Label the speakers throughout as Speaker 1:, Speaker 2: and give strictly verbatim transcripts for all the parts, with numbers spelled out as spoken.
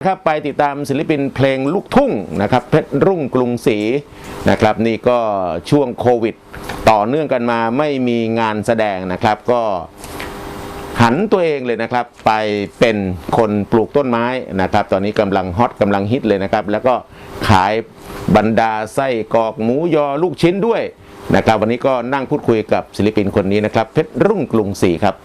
Speaker 1: ครับไปติดตามศิลปินเพลงลูกทุ่งนะครับเพชรรุ่งกรุงศรีนะครับนี่ก็ช่วงโควิดต่อเนื่องกันมาไม่มีงานแสดงนะครับก็หันตัวเองเลยนะครับไปเป็นคนปลูกต้นไม้นะครับตอนนี้กำลังฮอตกำลังฮิตเลยนะครับแล้วก็ขายบรรดาไส้กรอกหมูยอลูกชิ้นด้วยนะครับวันนี้ก็นั่งพูดคุยกับศิลปินคนนี้นะครับเพชรรุ่งกรุงศรีครับ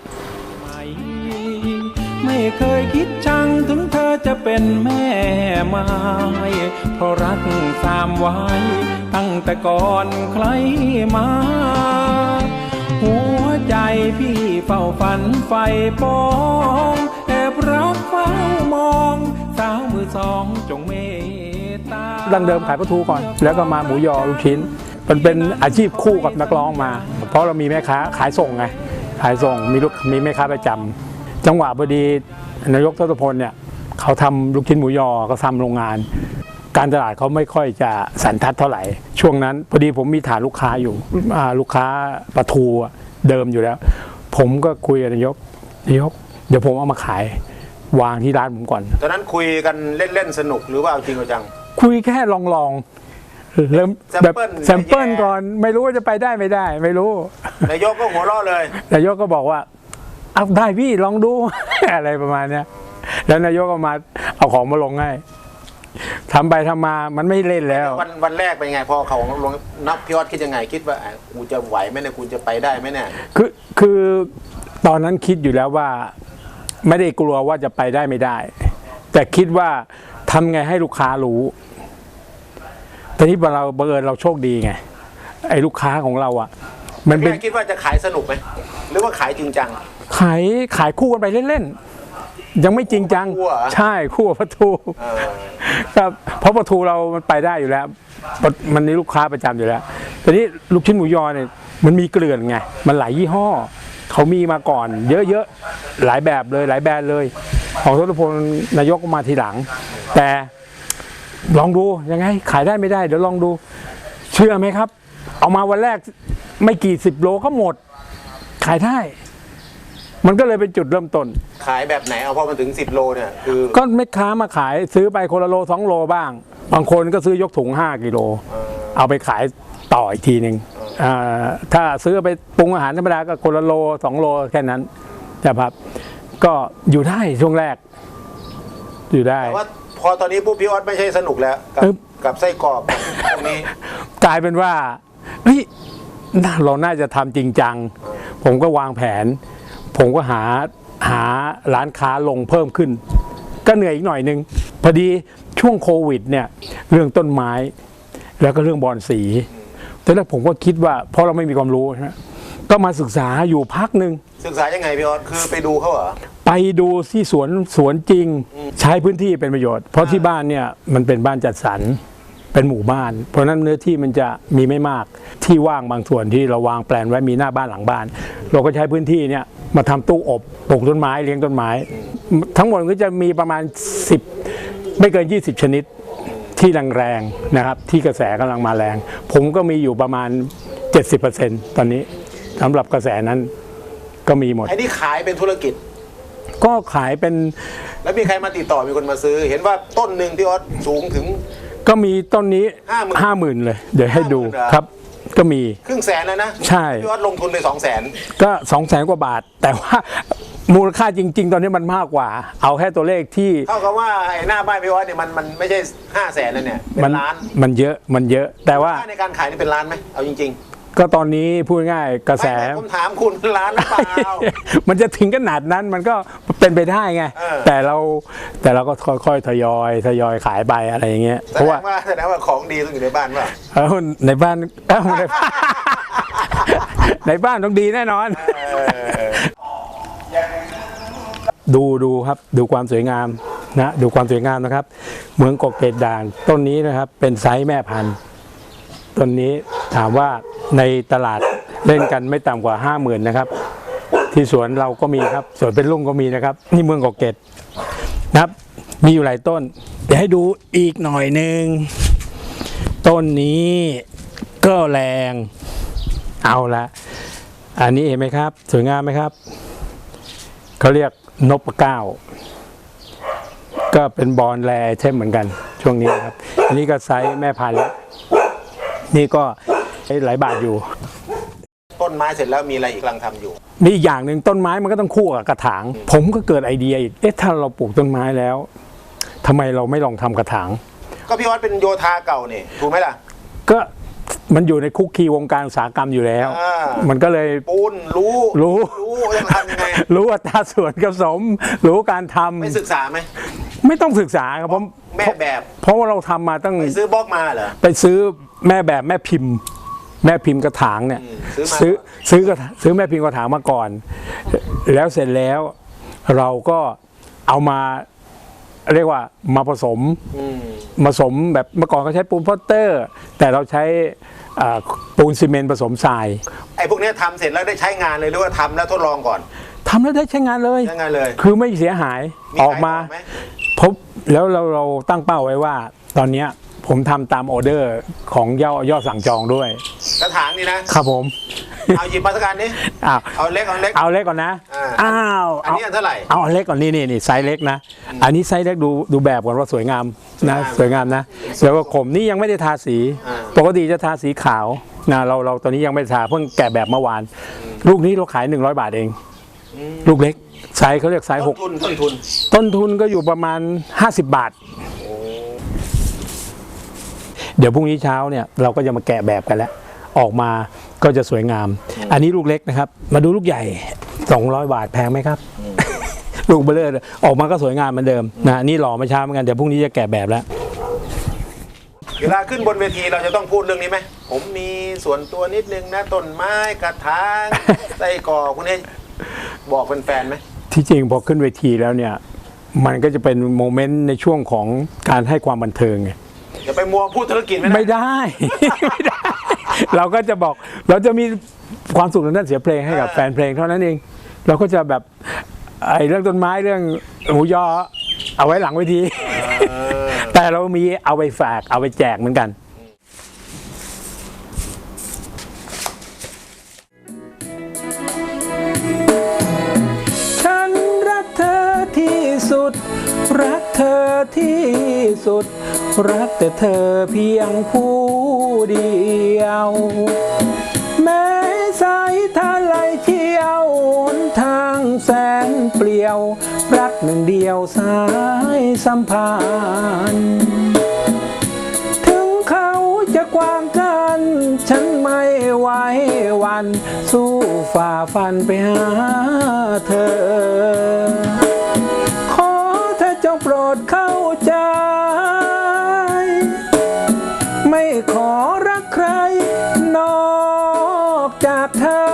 Speaker 2: ไม่เคยคิดชังถึงเธอจะเป็นแม่ไม้เพราะรักสามไว้ตั้งแต่ก่อนใครมาหัวใจพี่เฝ้าฝันไฟปองแอบรักเฝ้ามองสาวมือสองจงเมตตา
Speaker 3: ดังเดิมขายปลาทูก่อนแล้วก็มาหมูยอลูกชิ้นมันเป็นอาชีพคู่กับนักร้องมาเพราะเรามีแม่ค้าขายส่งไงขายส่งมีลูกมีแม่ค้าประจำจังหวะพอดีนายกทศพลเนี่ยเขาทำลูกชิ้นหมูยอเขาทำโรงงานการตลาดเขาไม่ค่อยจะสันทัดเท่าไหร่ช่วงนั้นพอดีผมมีฐานลูกค้าอยู่ลูกค้าปลาทูเดิมอยู่แล้วผมก็คุยกับนายกนายกเดี๋ยวผมเอามาขายวางที่ร้านผมก่อน
Speaker 1: ตอนนั้นคุยกันเล่นๆสนุกหรือว่าจริงจัง
Speaker 3: คุยแค่ลองๆเริ่มแบบแซมเปิลก่อนไม่รู้ว่าจะไปได้ไม่ได้ไม่รู้
Speaker 1: นายกก็หัวเราะเลย
Speaker 3: นายกก็บอกว่าเอาได้พี่ลองดู อะไรประมาณเนี้ยแล้วนายกก็มาเอาของมาลงให้ทำไปทำมามันไม่เล่นแล้ว
Speaker 1: วันวันแรกเป็นไงพอเขาลงนับพี่ออสคิดยังไงคิดว่ากูจะไหวไหมเนี่ยกูจะไปได้ไหมเนี่ย
Speaker 3: คือคือตอนนั้นคิดอยู่แล้วว่าไม่ได้กลัวว่าจะไปได้ไม่ได้แต่คิดว่าทำไงให้ลูกค้ารู้แต่นี้เราบังเอิญเราโชคดีไงไอ้ลูกค้าของเราอ่ะ
Speaker 1: มันเป็นคิดว่าจะขายสนุกไหมหรือว่าขายจริงจัง
Speaker 3: ขายขายคู่กันไปเล่นๆยังไม่จริงจังใช่คู่กับปลาทูครับเพราะปลาทูเรามันไปได้อยู่แล้วมันนี่ลูกค้าประจำอยู่แล้วแต่นี้ลูกชิ้นหมูยอเนี่ยมันมีเกลื่อนไงมันหลายยี่ห้อเขามีมาก่อนเยอะๆหลายแบบเลยหลายแบรนด์เลยของทศพลนายกมาทีหลังแต่ลองดูยังไงขายได้ไม่ได้เดี๋ยวลองดูเชื่อไหมครับเอามาวันแรกไม่กี่สิบโลก็หมดขายได้มันก็เลยเป็นจุดเริ่มต้น
Speaker 1: ขายแบบไหนเอาพอมาถึงสิบโลเนี่ยคือ
Speaker 3: ก็แม่ค้ามาขายซื้อไปคนละโลสองโลบ้างบางคนก็ซื้อยกถุงห้ากิโลเอาไปขายต่ออีกทีหนึ่งถ้าซื้อไปปรุงอาหารธรรมดาก็คนละโลสองโลแค่นั้นแต่ครับก็อยู่ได้ช่วงแรกอยู่ได้
Speaker 1: แต่ว่าพอตอนนี้ปุ๊บพี่ออสไม่ใช่สนุกแล้วกับกับไส้กรอกตรงนี้
Speaker 3: กลายเป็นว่าเฮ้ยเราน่าจะทำจริงจังผมก็วางแผนผมก็หาหาร้านค้าลงเพิ่มขึ้นก็เหนื่อยอีกหน่อยนึงพอดีช่วงโควิดเนี่ยเรื่องต้นไม้แล้วก็เรื่องบอนสีแต่แรกผมก็คิดว่าเพราะเราไม่มีความรู้นะก็มาศึกษาอยู่พักหนึ่ง
Speaker 1: ศึกษายังไงพี่ออสคือไปดูเขาเหรอ
Speaker 3: ไปดูที่สวนสวนจริงใช้พื้นที่เป็นประโยชน์เพราะที่บ้านเนี่ยมันเป็นบ้านจัดสรรเป็นหมู่บ้านเพราะนั้นเนื้อที่มันจะมีไม่มากที่ว่างบางส่วนที่เราวางแปลนไว้มีหน้าบ้านหลังบ้านเราก็ใช้พื้นที่เนี่ยมาทำตู้อบปลูกต้นไม้เลี้ยงต้นไม้ทั้งหมดก็จะมีประมาณสิบไม่เกินยี่สิบชนิดที่แรงๆนะครับที่กระแสกำลังมาแรงผมก็มีอยู่ประมาณ เจ็ดสิบเปอร์เซ็นต์ ตอนนี้สำหรับกระแสนั้นก็มีหมด
Speaker 1: ไอ้นี่ขายเป็นธุรกิจ
Speaker 3: ก็ขายเป็น
Speaker 1: แล้วมีใครมาติดต่อมีคนมาซื้อเห็นว่าต้นหนึ่งที่ออสสูงถึง
Speaker 3: ก็มีต้นนี้ห้าหมื่นเลยเดี๋ยวให้ดูครับก็มี
Speaker 1: ครึ่งแสนแล้วนะ
Speaker 3: ใช่
Speaker 1: พี่ออสลงทุนไปสองแสน
Speaker 3: ก็สองแสนกว่าบาทแต่ว่ามูลค่าจริงๆตอนนี้มันมากกว่าเอาแค่ตัวเลขที่
Speaker 1: เท่ากับว่าไอ้หน้าบ้านพี่ออสเนี่ยมันมันไม่ใช่ห้าแสนแล้วเนี่ยเป็นล้าน
Speaker 3: มันเยอะมันเยอะแต่ว่า
Speaker 1: ในการขายนี่เป็นล้านไหมเอาจริง
Speaker 3: ๆก็ตอนนี้พูดง่ายกระแส
Speaker 1: ผมถามคุณเป็นล้านหรือเปล่า
Speaker 3: มันจะถึงขนาดนั้นมันก็เป็นไปได้ไงแต่เราแต่เราก็ค่อยๆทยอยทยอยขายไปอะไรอย่างเงี้ย
Speaker 1: เพราะว่าแสดงว่าของดีต้องอยู่ในบ้านป่ะ
Speaker 3: เออในบ้านเออในบ้านในบ้านต้องดีแน่นอนดูดูครับดูความสวยงามนะดูความสวยงามนะครับเมืองกกเกตด่างต้นนี้นะครับเป็นไซส์แม่พันธุ์ต้นนี้ถามว่าในตลาดเล่นกันไม่ต่ำกว่าห้าหมื่นนะครับที่สวนเราก็มีครับสวนเป็นลุ่งก็มีนะครับนี่เมืองกกเกตนะครับมีอยู่หลายต้นเดี๋ยวให้ดูอีกหน่อยหนึ่งต้นนี้ก็แรงเอาละอันนี้เห็นไหมครับสวยงามไหมครับเขาเรียกนพเก้าก็เป็นบอลแรเทมเหมือนกันช่วงนี้ครับอันนี้ก็ไซส์แม่พันธุ์แล้วนี่ก็หลายบาทอยู่
Speaker 1: ต้นไม้เสร็จแล้วมีอะไรอีกกำลังทำอยู่
Speaker 3: มีอีกอย่างหนึ่งต้นไม้มันก็ต้องคู่กับกระถาง ผมก็เกิดไอเดียอีกเอ๊ะถ้าเราปลูกต้นไม้แล้วทำไมเราไม่ลองทำกระถาง
Speaker 1: ก็พี่วัดเป็นโยธาเก่านี่ถูกไหมล่ะ
Speaker 3: ก็มันอยู่ในคุกคีวงการอุตสาหกรรมอยู่แล้ว
Speaker 1: อ่า
Speaker 3: มันก็เลย
Speaker 1: ปูนรู้
Speaker 3: รู้
Speaker 1: รู้ต้องทำยังไง
Speaker 3: รู้อัตราส่วนผสมรู้การทำ
Speaker 1: ไม่ศึกษาไหม
Speaker 3: ไม่ต้องศึกษาครับผม
Speaker 1: แม่แบบ
Speaker 3: เพราะว่าเราทำมาตั้ง
Speaker 1: ไปซื้อบล็อกมาเหรอ
Speaker 3: ไปซื้อแม่แบบแม่พิมพ์ แม่พิมพ์กระถางเนี่ย
Speaker 1: อืมซื้อมา
Speaker 3: ซื้อซื้อกระถางซื้อแม่พิมพ์กระถางมาก่อน แล้วเสร็จแล้วเราก็เอามาเรียกว่ามาผสม
Speaker 1: อืม
Speaker 3: ผสมแบบเมื่อก่อนเขาใช้ปูนพอตเตอร์ แต่เราใช้อ่าปูนซีเมนต์ผสมทราย
Speaker 1: ไอ้พวกเนี้ยทำเสร็จแล้วได้ใช้งานเลยหรือว่าทำแล้วทดลองก่อน
Speaker 3: ทำแล้วได้ใช้งานเลย
Speaker 1: ใช้งานเลย
Speaker 3: คือไม่เสียหาย
Speaker 1: มี
Speaker 3: ออกมา
Speaker 1: ขายต่อไหม
Speaker 3: พบแล้วเราเราตั้งเป้าไว้ว่า ตอนเนี้ยผมทำตามออเดอร์ของยอดยอดสั่งจองด้วย
Speaker 1: กระถางนี่นะครับ
Speaker 3: ผม
Speaker 1: เอาหยิบมาสักการนี้
Speaker 3: อ้าว
Speaker 1: เอาเล็กเอาเล็ก
Speaker 3: เอาเล็กก่อนนะ
Speaker 1: อ่า
Speaker 3: อ้าว
Speaker 1: อันนี้อันเท่าไหร่
Speaker 3: เอาอันเล็กก่อนนี่นี่นี่ไซส์เล็กนะ อันนี้ไซส์เล็กดูดูแบบก่อนว่าสวยงามนะสวยงามนะแล้วก็ขมนี่ยังไม่ได้ทาสี ปกติจะทาสีขาวนะเราเราตอนนี้ยังไม่ได้ทาเพิ่งแกะแบบเมื่อวาน ลูกนี้เราขายหนึ่งร้อยบาทเอง ลูกเล็กไซส์เขาเรียกไซส์ห
Speaker 1: ต้น
Speaker 3: ก
Speaker 1: ทุนต้นทุน
Speaker 3: ต้นทุนก็อยู่ประมาณห้าสิบบาท เดี๋ยวพรุ่งนี้เช้าเนี่ยเราก็จะมาแกะแบบกันแล้ว ออกมาก็จะสวยงาม อันนี้ลูกเล็กนะครับ มาดูลูกใหญ่สองร้อยบาทแพงไหมครับ ลูกเบลอเลยออกมาก็สวยงามเหมือนเดิมนะนี่หล่อมาช้าเหมือนกันเดี๋ยวพรุ่งนี้จะแกะแบบแล้ว
Speaker 1: เวลาขึ้นบนเวทีเราจะต้องพูดเรื่องนี้ไหมผมมีส่วนตัวนิดนึงนะต้นไม้กระถาง ไส้กรอกพวกนี้บอกแฟนๆไหม
Speaker 3: ที่จริงพอขึ้นเวทีแล้วเนี่ยมันก็จะเป็นโมเมนต์ในช่วงของการให้ความบันเทิงไง
Speaker 1: อย่าไปมัวพูดธุรกิจไม่
Speaker 3: ไม่
Speaker 1: ได้
Speaker 3: ได้ ไม่ได้ เราก็จะบอกเราจะมีความสุขทางด้านเสียงเพลงให้กับแฟนเพลงเท่านั้นเอง เราก็จะแบบไอ้เรื่องต้นไม้เรื่องหมูยอเอาไว้หลังเวที แต่เรามีเอาไปฝากเอาไปแจกเหมือนกัน ฉันรักเธอที่สุด รักเธอที่สุด รักแต่เธอเพียงผู้เดียว แม้สายทะไหลเที่ยวหนทางแสนเปลี่ยว รักหนึ่งเดียวสายสัมพันธ์ ถึงเขาจะกว้างกัน ฉันไม่ไหวหวัน สู้ฝ่าฟันไปหาเธอ ขอเธอจงโปรดเข้าใจ ไม่ขอรักใครนอกจากเธอ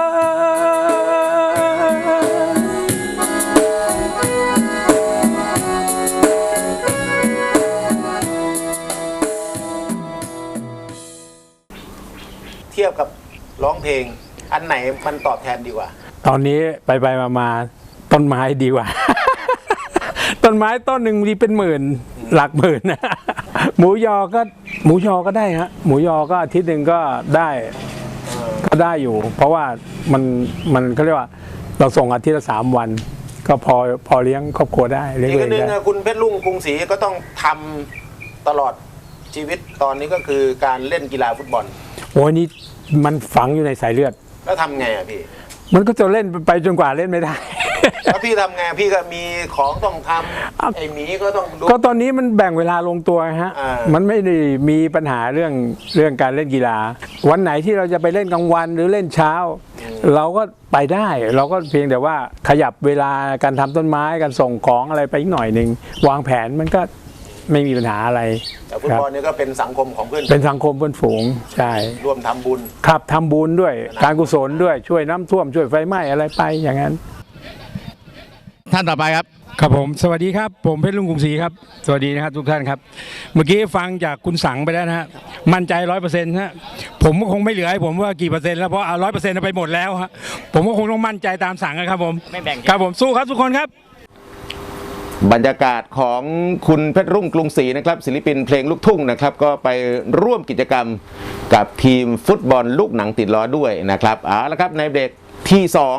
Speaker 1: เทียบกับร้องเพลง อันไหนมันตอบแทนดีกว่า
Speaker 3: ตอนนี้ไปไปมามาต้นไม้ดีกว่า ต้นไม้ต้นหนึ่งมีเป็นหมื่นหลักหมื่นนะ หมูยอก็หมูยอก็ได้ฮะหมูยอก็อาทิตย์หนึ่งก็ได้ก็ได้อยู่ เพราะว่ามันมันเขาเรียกว่าเราส่งอาทิตย์ละสามวัน ก็พอพอเลี้ยงครอบครัวได้เลี้ยง
Speaker 1: อีก
Speaker 3: เอ
Speaker 1: อั
Speaker 3: ง
Speaker 1: นหนึ่ง
Speaker 3: ได้
Speaker 1: อะคุณเพชรลุงกรุงศรีก็ต้องทำตลอดชีวิตตอนนี้ก็คือการเล่นกีฬาฟุตบอล
Speaker 3: โอ้ยนี่มันฝังอยู่ในสายเลือด
Speaker 1: แล้วทำไงอะพี่
Speaker 3: มันก็จะเล่นไปจนกว่าเล่นไม่ได้
Speaker 1: แล้วพี่ทำไงพี่ก็มีของต้องทำไอ้หมีก็ต้องดู
Speaker 3: ก็ตอนนี้มันแบ่งเวลาลงตัวฮะ
Speaker 1: อ่ามั
Speaker 3: มันไม่ได้มีปัญหาเรื่องเรื่องการเล่นกีฬา วันไหนที่เราจะไปเล่นกลางวันหรือเล่นเช้า เราก็ไปได้ เราก็เพียงแต่ว่าขยับเวลาการทำต้นไม้การส่งของอะไรไปอีกหน่อยหนึ่งวางแผนมันก็ไม่มีปัญหาอะไร
Speaker 1: แต่ฟุต
Speaker 3: ครับ
Speaker 1: บอลนี่ก็เป็นสังคมของเพื่อน
Speaker 3: เป็นสังคมเพื่อนฝูงใช่
Speaker 1: ร่วมทำบุญ
Speaker 3: ครับทำบุญด้วยการกุศลด้วยช่วยน้ำท่วมช่วยไฟไหม้อะไรไปอย่างนั้น
Speaker 4: ท่านต่อไปครับ
Speaker 3: ครับผมสวัสดีครับผมเพชรลุงกรุงศรีครับสวัสดีนะครับทุกท่านครับ เมื่อกี้ฟังจากคุณสังไปแล้วนะฮะมั่นใจร้อยเปอร์เซ็นต์ฮะผมก็คงไม่เหลือให้ผมว่ากี่เปอร์เซ็นต์แล้วเพราะเอาร้อยเปอร์เซ็นต์ไปหมดแล้วฮะผมก็คงต้องมั่นใจตามสั่งนะครับผม
Speaker 4: ไม่แบ่ง
Speaker 3: ครับผมสู้ครับทุกคนครับ
Speaker 1: บรรยากาศของคุณเพชรรุ่งกรุงศรีนะครับศิลปินเพลงลูกทุ่งนะครับก็ไปร่วมกิจกรรมกับทีมฟุตบอลลูกหนังติดล้อด้วยนะครับเอาละครับในเบรกที่สอง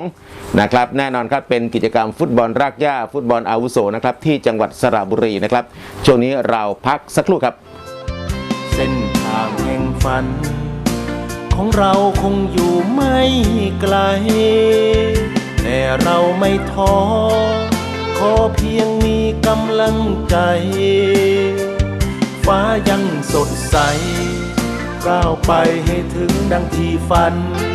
Speaker 1: นะครับแน่นอนครับเป็นกิจกรรมฟุตบอลรากหญ้าฟุตบอลอาวุโสนะครับที่จังหวัดสระบุรีนะครับช่วงนี้เราพักสักครู่ครับ
Speaker 5: เส้นทางแห่งฝัน ของเราคงอยู่ไม่ไกล แต่เราไม่ท้อขอเพียงมีกำลังใจ ฟ้ายังสดใสก้าวไปให้ถึงดังที่ฝัน